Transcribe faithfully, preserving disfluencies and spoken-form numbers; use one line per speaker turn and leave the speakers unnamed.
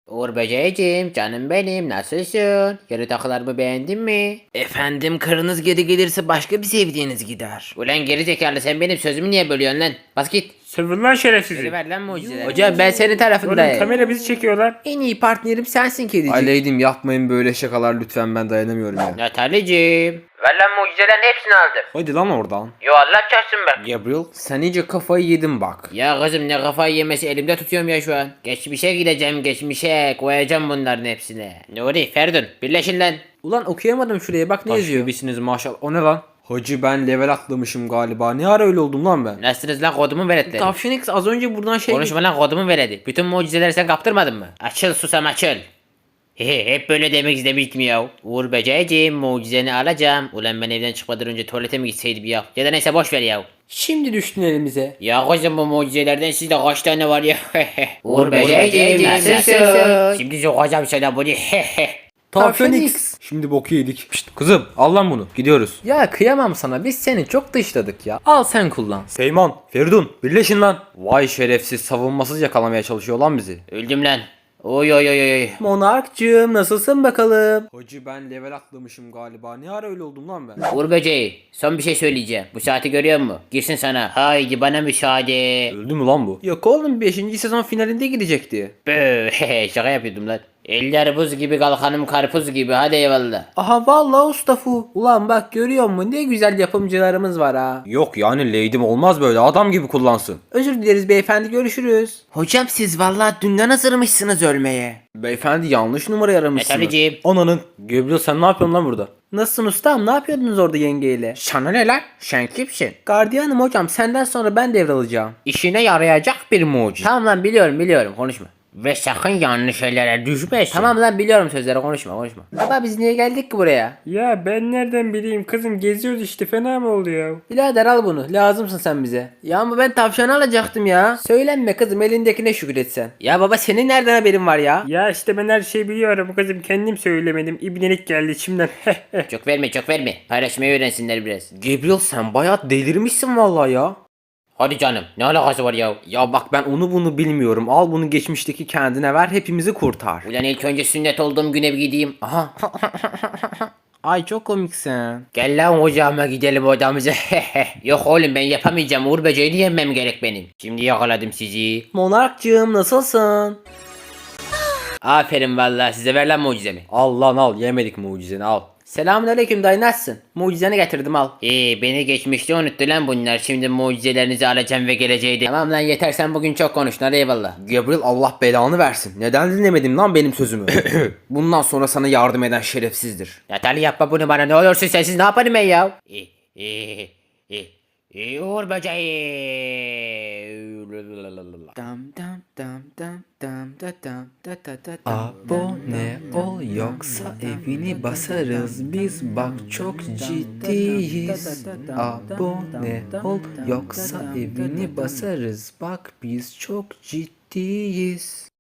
Uğur böceğim, canım benim, nasılsın? Yeni takılarımı beğendin mi?
Efendim karınız geri gelirse başka bir sevdiğiniz gider.
Ulan geri zekalı, sen benim sözümü niye bölüyorsun lan? Bas git.
Sövün lan şerefsizi.
Geri ver lan mucizeleri.
Hocam ben senin
Oğlum
tarafındayım.
kamera bizi çekiyorlar.
En iyi partnerim sensin kedicik.
Aleydim yapmayın böyle şakalar lütfen, ben dayanamıyorum ya.
Nataliciğim. Ver lan mucizelerin hepsini aldım.
Hadi lan oradan.
Yo Allah çarpsın bak.
Gabriel sen iyice kafayı yedin bak.
Ya kızım ne kafayı yemesi, elimde tutuyorum ya şu an. Geçmişe gideceğim, geçmişe koyacağım bunların hepsine. Nuri, Ferdun birleşin lan.
Ulan okuyamadım şuraya bak ne yazıyor.
Gibisiniz maşallah. O ne lan? Hacı ben level atlamışım galiba. Ne ara öyle oldum lan ben?
Nasılsınız lan, kodumu veletleri?
Tavşan X az önce buradan şey...
Konuşma lan, kodumu veredi. Bütün mucizeleri sen kaptırmadın mı? Açıl susam açıl. Hehe, hep böyle demek istemiştim ya. Uğur böceğim, mucizeni alacağım. Ulan ben evden çıkmadan önce tuvalete mi gitseydim ya? Ya da neyse boş ver ya.
Şimdi düştün elimize.
Ya kızım bu mucizelerden sizde kaç tane var ya? Uğur böceğim nasılsın? Şimdi sokacağım sana bunu.
Tavşan X.
Şimdi boku yedik. Şşt, kızım al lan bunu. Gidiyoruz.
Ya kıyamam sana, biz seni çok dışladık ya. Al sen kullan.
Seyman, Feridun birleşin lan. Vay şerefsiz, savunmasız yakalamaya çalışıyor lan bizi.
Öldüm lan. Oy oy oy oy.
Monarkcığım nasılsın bakalım?
Hacı ben level atlamışım galiba. Ne ara öyle oldum lan ben?
Uğur böceği, son bir şey söyleyeceğim. Bu saati görüyor musun? Girsin sana. Haydi bana müsaade.
Öldü mü lan bu?
Yok oğlum, beşinci sezon finalinde gidecekti.
Bööö, şaka yapıyordum lan. Eller buz gibi, kalkanım karpuz gibi, hadi eyvallah.
Aha vallahi ustafu. Ulan bak görüyor musun, ne güzel yapımcılarımız var ha.
Yok yani Lady'm olmaz böyle, adam gibi kullansın.
Özür dileriz beyefendi, görüşürüz. Hocam siz vallahi dünden hazırmışsınız ölmeye.
Beyefendi yanlış numara aramışsınız.
Metaliciğim.
Ananın. Gabriel sen ne yapıyorsun lan burada?
Nasılsın ustam, ne yapıyordunuz orada yengeyle?
Sana ne lan? Sen kimsin?
Gardiyanım hocam, senden sonra ben devralacağım.
İşine yarayacak bir mucize. Tamam lan, biliyorum biliyorum, konuşma. Ve sakın yanlış şeylere düşmesin.
Tamam lan, biliyorum sözleri, konuşma konuşma. Baba biz niye geldik ki buraya?
Ya ben nereden bileyim kızım, geziyoruz işte, fena mı oldu ya?
Birader al bunu, lazımsın sen bize. Ya ama ben tavşanı alacaktım ya. Söylenme kızım, elindekine şükretsen. Ya baba senin nereden haberin var ya?
Ya işte ben her şeyi biliyorum kızım, kendim söylemedim, ibnelik geldi içimden.
Çok verme çok verme. Paylaşmayı öğrensinler biraz.
Gabriel sen bayağı delirmişsin vallahi ya.
Hadi canım, ne alakası var ya?
Ya bak ben onu bunu bilmiyorum. Al bunu geçmişteki kendine ver, hepimizi kurtar.
Ulan ilk önce sünnet olduğum güne bir gideyim. Aha.
Ay çok komiksin.
Gel lan ocağıma gidelim odamıza. Yok oğlum, ben yapamayacağım. Uğur böceğini yenmem gerek benim. Şimdi yakaladım sizi.
Monarkcığım nasılsın?
Aferin vallahi size, ver lan mucizemi.
Al lan al, yemedik mucizeni al.
Selamünaleyküm dayı, nasılsın? Mucizeni getirdim al.
İyi, beni geçmişte unuttu lan bunlar. Şimdi mucizelerinizi alacağım ve geleceği de. Tamam lan yeter, sen bugün çok konuştun, hadi eyvallah.
Gabriel Allah belanı versin. Neden dinlemedin lan benim sözümü? Bundan sonra sana yardım eden şerefsizdir.
Natali yapma bunu bana, ne olursun, sensiz ne yaparım ben ya? İyi iyi iyi. İyi Uğur böceği.
Dam dam dam dam dam da dam da da da dam. Abone ol yoksa evini basarız biz, bak çok ciddiyiz. Abone ol yoksa evini basarız, bak biz çok ciddiyiz.